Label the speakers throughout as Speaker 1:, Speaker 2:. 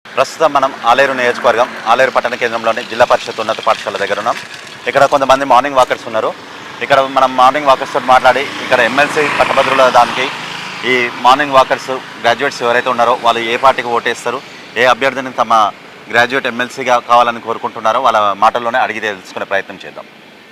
Speaker 1: ప్రస్తుతం మనం ఆలేరు నియోజకవర్గం ఆలేరు పట్టణ కేంద్రంలోని జిల్లా పరిషత్ ఉన్నత పాఠశాల దగ్గర ఉన్నాం. ఇక్కడ కొంతమంది మార్నింగ్ వాకర్స్ ఉన్నారు. ఇక్కడ మనం మార్నింగ్ వాకర్స్ తోటి మాట్లాడి ఇక్కడ ఎమ్మెల్సీ పట్టభద్రుల దానికి ఈ మార్నింగ్ వాకర్స్ గ్రాడ్యుయేట్స్ ఎవరైతే ఉన్నారో వాళ్ళు ఏ పార్టీకి ఓటేస్తారు, ఏ అభ్యర్థిని తమ గ్రాడ్యుయేట్ ఎమ్మెల్సీగా కావాలని కోరుకుంటున్నారో వాళ్ళ మాటల్లోనే అడిగి తెలుసుకునే ప్రయత్నం చేద్దాం.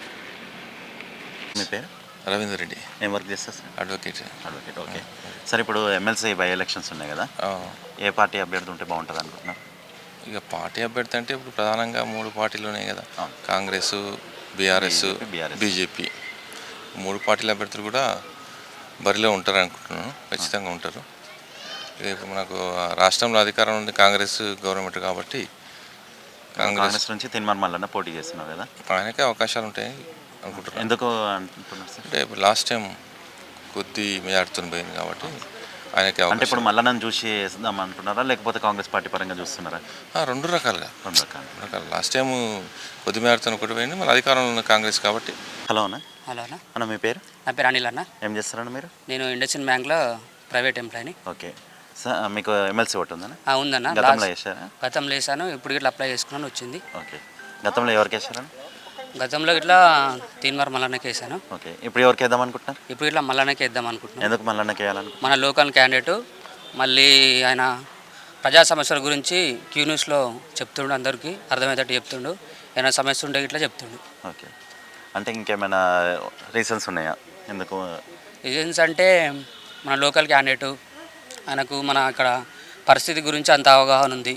Speaker 1: మీ పేరు?
Speaker 2: రవీందర్ రెడ్డి.
Speaker 1: ఏం వర్క్ చేస్తారు సార్?
Speaker 2: అడ్వకేట్.
Speaker 1: Okay sir. ఇప్పుడు ఎమ్మెల్సీ బై ఎలక్షన్స్ ఉన్నాయి కదా, ఏ పార్టీ అభ్యర్థి ఉంటే బాగుంటుంది అనుకుంటున్నారు?
Speaker 2: ఇక పార్టీ అభ్యర్థి అంటే ఇప్పుడు ప్రధానంగా 3 పార్టీలు ఉన్నాయి కదా, కాంగ్రెస్, బీఆర్ఎస్, బీజేపీ. 3 పార్టీల అభ్యర్థులు కూడా బరిలో ఉంటారు అనుకుంటున్నాను. ఖచ్చితంగా ఉంటారు. ఇక ఇప్పుడు మనకు రాష్ట్రంలో అధికారం ఉంది కాంగ్రెస్ గవర్నమెంట్ కాబట్టి
Speaker 1: కాంగ్రెస్ నుంచి తిన్మార్ మల్లన్న పోటీ చేస్తున్నారు కదా,
Speaker 2: ఆయనకే అవకాశాలు ఉంటాయి అనుకుంటున్నాను.
Speaker 1: ఎందుకు అంటున్నారు సార్?
Speaker 2: అంటే ఇప్పుడు లాస్ట్ టైం కొద్ది మెజార్టీతో పోయింది కాబట్టి ఆయనకి.
Speaker 1: అంటే ఇప్పుడు మల్లన్నను చూసి వేద్దాం అంటున్నారా, లేకపోతే కాంగ్రెస్ పార్టీ పరంగా చూస్తున్నారా?
Speaker 2: 2 రకాలుగా. లాస్ట్ టైం కొద్ది మేరతో ఒకటి పోయింది, మళ్ళీ అధికారంలో ఉన్న కాంగ్రెస్ కాబట్టి.
Speaker 1: హలో అన్న.
Speaker 3: హలో అన్న.
Speaker 1: అన్న మీ పేరు?
Speaker 3: నా పేరు అనిల్ అన్న.
Speaker 1: ఏం చేస్తారన్న మీరు?
Speaker 3: నేను ఇండస్ట్రియల్ బ్యాంక్లో ప్రైవేట్ ఎంప్లాయీని.
Speaker 1: Okay sir. మీకు ఎమ్మెల్సీ ఓటు ఉందన్న?
Speaker 3: ఉందన్న.
Speaker 1: గతంలో వేసారా?
Speaker 3: గతంలో వేసాను, ఇప్పుడు ఇట్లా అప్లై చేసుకున్నాను, వచ్చింది.
Speaker 1: ఓకే. గతంలో ఎవరికి వేసారన్న?
Speaker 3: గతంలో ఇట్లా తీన్మార్ మల్లన్నకి వేసాను.
Speaker 1: ఓకే. ఇప్పుడు ఎవరికి వేద్దాం అనుకుంటున్నారు?
Speaker 3: ఇప్పుడు ఇట్లా మల్లన్నకి వేద్దాం అనుకుంటున్నాను.
Speaker 1: ఎందుకు మల్లన్నకి వేయాలనుకుంటున్నారు?
Speaker 3: మన లోకల్ క్యాండిడేటు, మళ్ళీ ఆయన ప్రజా సమస్యల గురించి క్యూ న్యూస్లో చెప్తుండు, అందరికీ అర్థమయ్యేటట్టు చెప్తుండు. ఏమైనా సమస్య ఉంటే ఇట్లా చెప్తుండు.
Speaker 1: ఓకే. అంటే ఇంకేమైనా రీజన్స్ ఉన్నాయా ఎందుకు?
Speaker 3: రీజన్స్ అంటే మన లోకల్ క్యాండిడేటు, ఆయనకు మన అక్కడ పరిస్థితి గురించి అంత అవగాహన ఉంది.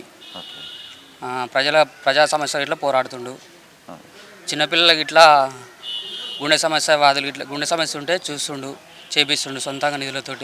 Speaker 3: ప్రజా సమస్యలు ఇట్లా పోరాడుతుండు. చిన్నపిల్లలకి ఇట్లా గుండె సమస్య వాదులు ఇట్లా గుండె సమస్య ఉంటే చూస్తుండు, చేపిస్తుండు సొంతంగా నిధులతోటి.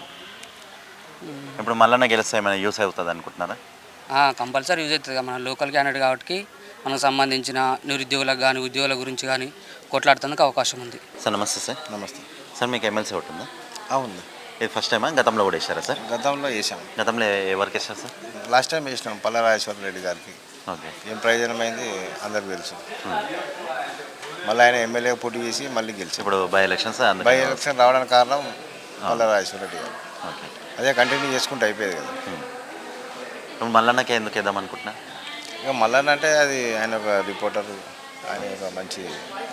Speaker 1: ఇప్పుడు మల్లన్న గెలిస్తే ఏమైనా యూస్ అవుతుంది అనుకుంటున్నారా?
Speaker 3: కంపల్సరీ యూజ్ అవుతుంది. మన లోకల్ క్యాండిడేట్ కాబట్టి మనకు సంబంధించిన నిరుద్యోగులకు కానీ ఉద్యోగుల గురించి కానీ కొట్లాడుతుందుకు అవకాశం ఉంది.
Speaker 1: సార్ నమస్తే సార్.
Speaker 4: నమస్తే
Speaker 1: సార్. మీకు ఎమ్మెల్సీ ఓటు ఉందా?
Speaker 4: ఉంది.
Speaker 1: ఇది ఫస్ట్ టైమా, గతంలో కూడా వేసారా సార్?
Speaker 4: గతంలో వేసాం.
Speaker 1: గతంలో ఎవరికి వేసారు సార్?
Speaker 4: లాస్ట్ టైం వేసినాం పల్లరాజేశ్వర రెడ్డి గారికి.
Speaker 1: ఓకే.
Speaker 4: ఏం ప్రయోజనమైంది అందరికి తెలుసు. మళ్ళీ ఆయన ఎమ్మెల్యే పోటీ చేసి మళ్ళీ గెలిచి
Speaker 1: ఇప్పుడు బై ఎలక్షన్స్
Speaker 4: బై ఎలక్షన్ రావడానికి కారణం పల్లరాజేశ్వర రెడ్డి గారు.
Speaker 1: ఓకే.
Speaker 4: అదే కంటిన్యూ చేసుకుంటే అయిపోయేది కదా.
Speaker 1: ఇప్పుడు మల్లన్నకే ఎందుకు వేద్దాం అనుకుంటున్నా?
Speaker 4: ఇక మల్లన్న అంటే అది ఆయన ఒక రిపోర్టరు, ఆయన ఒక మంచి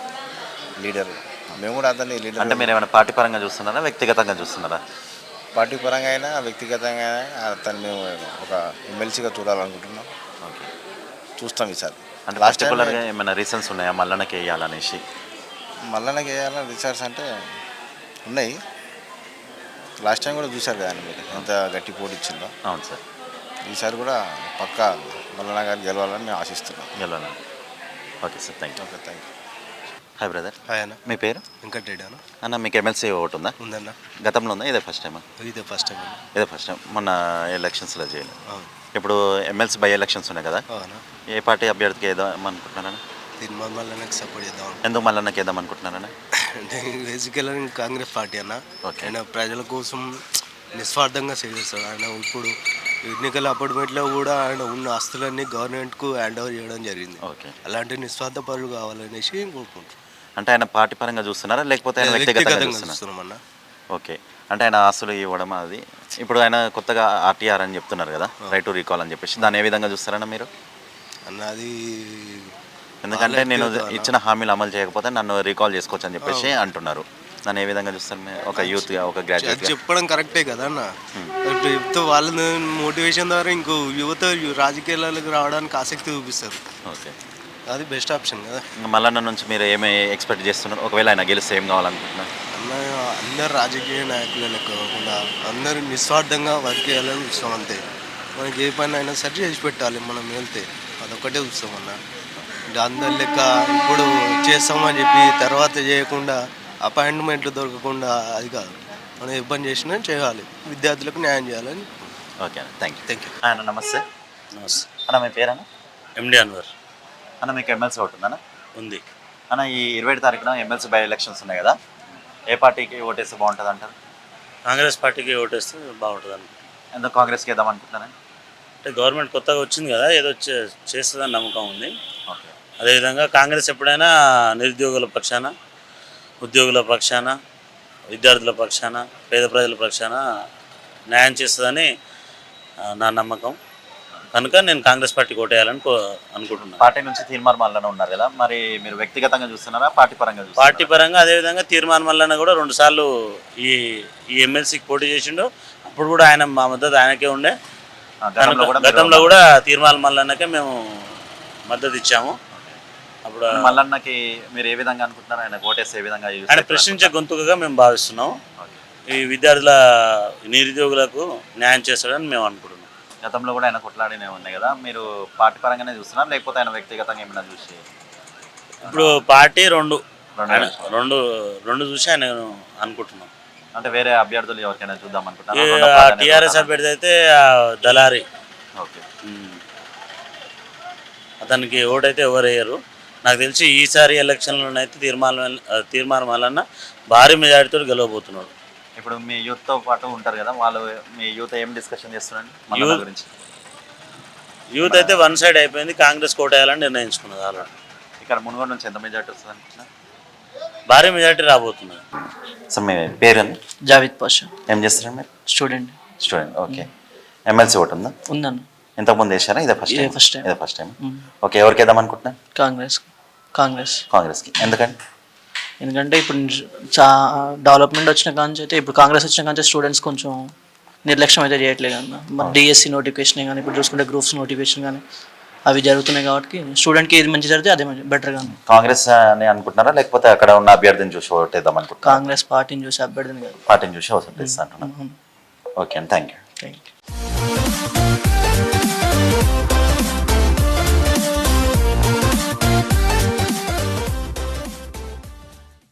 Speaker 4: లీడరు. మేము కూడా అతన్ని లీడర్.
Speaker 1: అంటే మీరు ఏమైనా పార్టీ పరంగా చూస్తున్నారా, వ్యక్తిగతంగా చూస్తున్నారా?
Speaker 4: పార్టీ పరంగా అయినా వ్యక్తిగతంగా అయినా అతన్ని మేము ఒక ఎమ్మెల్సీగా చూడాలనుకుంటున్నాం.
Speaker 1: ఓకే.
Speaker 4: చూస్తాం ఈసారి.
Speaker 1: అంటే పర్టికులర్గా ఏమైనా రీజన్స్ ఉన్నాయా మల్లన్నకి వేయాలనేసి?
Speaker 4: మల్లన్నకి వేయాలని రీసెర్చ్ అంటే ఉన్నాయి. లాస్ట్ టైం కూడా చూశారు కదా మీరు ఎంత గట్టి పోటీ ఇచ్చిందో.
Speaker 1: అవును సార్.
Speaker 4: ఈసారి కూడా పక్కా మల్లన్న గారు గెలవాలని మేము ఆశిస్తున్నాం.
Speaker 1: గెలవాలని. Okay sir. Thank you.
Speaker 4: Okay, thank you.
Speaker 1: Hi brother.
Speaker 4: Hi అన్న.
Speaker 1: మీ పేరు?
Speaker 4: వెంకటరెడ్డి అన్న.
Speaker 1: అన్న మీకు ఎమ్మెల్సీ ఓటు ఉందా?
Speaker 4: ఉందన్న.
Speaker 1: గతంలో ఉందా, ఇదే ఫస్ట్ టైమా?
Speaker 4: ఇదే ఫస్ట్ టైం.
Speaker 1: ఇదే ఫస్ట్ టైం. మొన్న ఎలక్షన్స్లో చేయాలి. ఇప్పుడు ఎమ్మెల్సీ బై ఎలక్షన్స్ ఉన్నాయి కదా, ఏ పార్టీ అభ్యర్థికి వేద్దాం అనుకుంటున్నారన్నా?
Speaker 4: తీన్మార్ మల్లన్నకి సపోర్ట్ చేద్దాం.
Speaker 1: ఎందుకు మల్లన్నకి వేద్దాం అనుకుంటున్నారన్నా?
Speaker 4: అంటే బేసికల్గా కాంగ్రెస్ పార్టీ అన్న.
Speaker 1: ఓకే.
Speaker 4: ఆయన ప్రజల కోసం నిస్వార్థంగా సేవ చేస్తాడు. ఆయన ఇప్పుడు ఎన్నికల అపార్ట్మెంట్లో కూడా ఆయన ఉన్న ఆస్తులన్నీ గవర్నమెంట్కు హ్యాండ్ ఓవర్ చేయడం జరిగింది.
Speaker 1: ఓకే.
Speaker 4: అలాంటి నిస్వార్థ పరులు కావాలనేసి కోరుకుంటున్నాం.
Speaker 1: అంటే ఆయన పార్టీ పరంగా చూస్తున్నారా, లేకపోతే ఆయన వ్యక్తిగతంగా
Speaker 4: చూస్తున్నామన్న?
Speaker 1: ఓకే. అంటే ఆయన ఆస్తులు ఇవ్వడం అది. ఇప్పుడు ఆయన కొత్తగా ఆర్టీఆర్ అని చెప్తున్నారు కదా, రైట్ టు రీకాల్ అని చెప్పేసి, దాన్ని ఏ విధంగా చూస్తారన్నా మీరు?
Speaker 4: అన్నది
Speaker 1: ఎందుకంటే నేను ఇచ్చిన హామీలు అమలు చేయకపోతే నన్ను రీకాల్ చేసుకోవచ్చు అని చెప్పేసి అంటున్నారు. దాన్ని ఏ విధంగా చూస్తారు మీరు ఒక యూత్గా, ఒక గ్రాడ్యుయేట్?
Speaker 4: చెప్పడం కరెక్టే కదా అన్న. ఇప్పుడు చెప్తే వాళ్ళ మోటివేషన్ ద్వారా ఇంకో యువత రాజకీయాలకు రావడానికి ఆసక్తి చూపిస్తారు.
Speaker 1: ఓకే.
Speaker 4: అది బెస్ట్ ఆప్షన్ కదా.
Speaker 1: ఇంకా మల్లన్న నుంచి మీరు ఏమి ఎక్స్పెక్ట్ చేస్తున్నారు? ఒకవేళ ఆయన గెలిస్తే ఏం కావాలనుకుంటున్నారు?
Speaker 4: అన్న అందరు రాజకీయ నాయకులు లెక్క కాకుండా అందరూ నిస్వార్థంగా వర్క్ చేయాలని చూస్తాం అంతే. మనకి ఏ పని అయినా సరి చేసి పెట్టాలి మనం వెళ్తే, అదొక్కటే చూస్తామన్న. ఇంకా అందరి లెక్క ఇప్పుడు చేస్తామని చెప్పి తర్వాత చేయకుండా అపాయింట్మెంట్లు దొరకకుండా అది కాదు. మనం ఏ పని చేసినా చేయాలి, విద్యార్థులకు న్యాయం చేయాలని.
Speaker 1: ఓకే అన్న. Thank you. అన్న నమస్తే.
Speaker 5: నమస్తే
Speaker 1: అన్న మీ పేరన్నా?
Speaker 5: ఎండి అన్వర్.
Speaker 1: అన్న మీకు ఎమ్మెల్సీ ఓటు ఉందన్న?
Speaker 5: ఉంది
Speaker 1: అన్న. ఈ 27 తారీఖున ఎమ్మెల్సీ బై ఎలక్షన్స్ ఉన్నాయి కదా, ఏ పార్టీకి ఓటేస్తే బాగుంటుంది అంటారు?
Speaker 5: కాంగ్రెస్ పార్టీకి ఓటేస్తే బాగుంటుంది అనుకుంటున్నాను.
Speaker 1: ఎందుకు కాంగ్రెస్కి వేద్దాం అనుకుంటున్నాను?
Speaker 5: అంటే గవర్నమెంట్ కొత్తగా వచ్చింది కదా, ఏదో చేస్తుందని నమ్మకం ఉంది.
Speaker 1: ఓకే.
Speaker 5: అదేవిధంగా కాంగ్రెస్ ఎప్పుడైనా నిరుద్యోగుల పక్షాన, ఉద్యోగుల పక్షాన, విద్యార్థుల పక్షాన, పేద ప్రజల పక్షాన న్యాయం చేస్తుందని నా నమ్మకం. కనుక నేను కాంగ్రెస్ పార్టీకి ఓటేయాలని అనుకుంటున్నాను.
Speaker 1: పార్టీ నుంచి తీర్మానం మల్లన్న ఉన్నారు కదా, మరి మీరు వ్యక్తిగతంగా చూస్తున్నారా పార్టీ పరంగా చూస్తున్నారా?
Speaker 5: పార్టీ పరంగా అదేవిధంగా తీర్మానం మల్లన్న కూడా 2 సార్లు ఈ ఈ ఎమ్మెల్సీకి పోటీ చేసిండు. అప్పుడు కూడా ఆయన మా మద్దతు ఆయనకే ఉండే. గతంలో కూడా తీర్మానం మల్లన్నకే మేము మద్దతు ఇచ్చాము. అప్పుడు
Speaker 1: మల్లన్నకి మీరు ఏ విధంగా అనుకుంటున్నారు, ఆయన ఓటేస్తే ఏ విధంగా యూజ్
Speaker 5: ఆయన ప్రశ్నించే గొంతుకగా మేము భావిస్తున్నాం. ఈ విద్యార్థుల నిరుద్యోగులకు న్యాయం చేస్తాడని మేము అనుకుంటున్నాం.
Speaker 1: గతంలో కూడా ఆయన కొట్లాడినే ఉన్నాయి కదా, మీరు పార్టీ పరంగానే చూస్తున్నారు లేకపోతే ఆయన వ్యక్తిగతంగా ఏమైనా చూసి?
Speaker 5: ఇప్పుడు పార్టీ రెండు చూసి ఆయన అనుకుంటున్నాం.
Speaker 1: అంటే వేరే అభ్యర్థులు ఎవరికైనా చూద్దాం అనుకుంటున్నారు?
Speaker 5: టీఆర్ఎస్ అభ్యర్థి అయితే దళారి,
Speaker 1: ఓకే,
Speaker 5: అతనికి ఓటైతే ఎవరు వేయరు. నాకు తెలిసి ఈసారి ఎలక్షన్లోనైతే తీర్మానం వలన భారీ మెజారిటీతో గెలవబోతున్నాడు.
Speaker 1: ఇప్పుడు మీ యూత్తో పాటు ఉంటారు కదా, వాళ్ళు మీ యూత్ ఏం డిస్కషన్ చేస్తున్నారండి మల్లన్న గురించి?
Speaker 5: యూత్ అయితే వన్ సైడ్ అయిపోయింది, కాంగ్రెస్ కోటేయాలని నిర్ణయించుకున్నది ఆల్రెడీ.
Speaker 1: ఇక్కడ మునుగోడు నుంచి ఎంత మెజారిటీ వస్తుంది అనుకుంటున్నారు?
Speaker 5: భారీ మెజారిటీ రాబోతున్నది.
Speaker 1: సో మీ పేరు
Speaker 6: జావేద్ పాషా.
Speaker 1: ఏం చేస్తారు మీరు?
Speaker 6: స్టూడెంట్.
Speaker 1: ఓకే. ఎమ్మెల్సీ ఓటు ఉందా?
Speaker 6: ఉందన్న.
Speaker 1: ఇంతకుముందు వేసారా? ఇదే ఫస్ట్ టైం. ఓకే, ఎవరికి వేద్దాం అనుకుంటున్నారు? కాంగ్రెస్కి.
Speaker 6: ఎందుకంటే ఇప్పుడు డెవలప్మెంట్ వచ్చిన కాంచి అయితే, ఇప్పుడు కాంగ్రెస్ వచ్చిన కాంచి స్టూడెంట్స్ కొంచెం నిర్లక్ష్యం అయితే చేయట్లేదు అన్న. మరి డిఎస్సి నోటిఫికేషన్ కానీ, ఇప్పుడు చూసుకుంటే గ్రూప్స్ నోటిఫికేషన్ కానీ అవి జరుగుతున్నాయి కాబట్టి స్టూడెంట్కి ఏది మంచి జరిగితే అదే బెటర్గా ఉంది.
Speaker 1: కాంగ్రెస్ అని అనుకుంటున్నారా లేకపోతే అక్కడ ఉన్న అభ్యర్థిని చూసి ఓటేద్దాం అనుకుంటున్నారా?
Speaker 6: కాంగ్రెస్ పార్టీని చూసి అభ్యర్థిని
Speaker 1: పార్టీని చూసి ఓటేస్తా అంటున్నాను. ఓకే అండి, థ్యాంక్ యూ.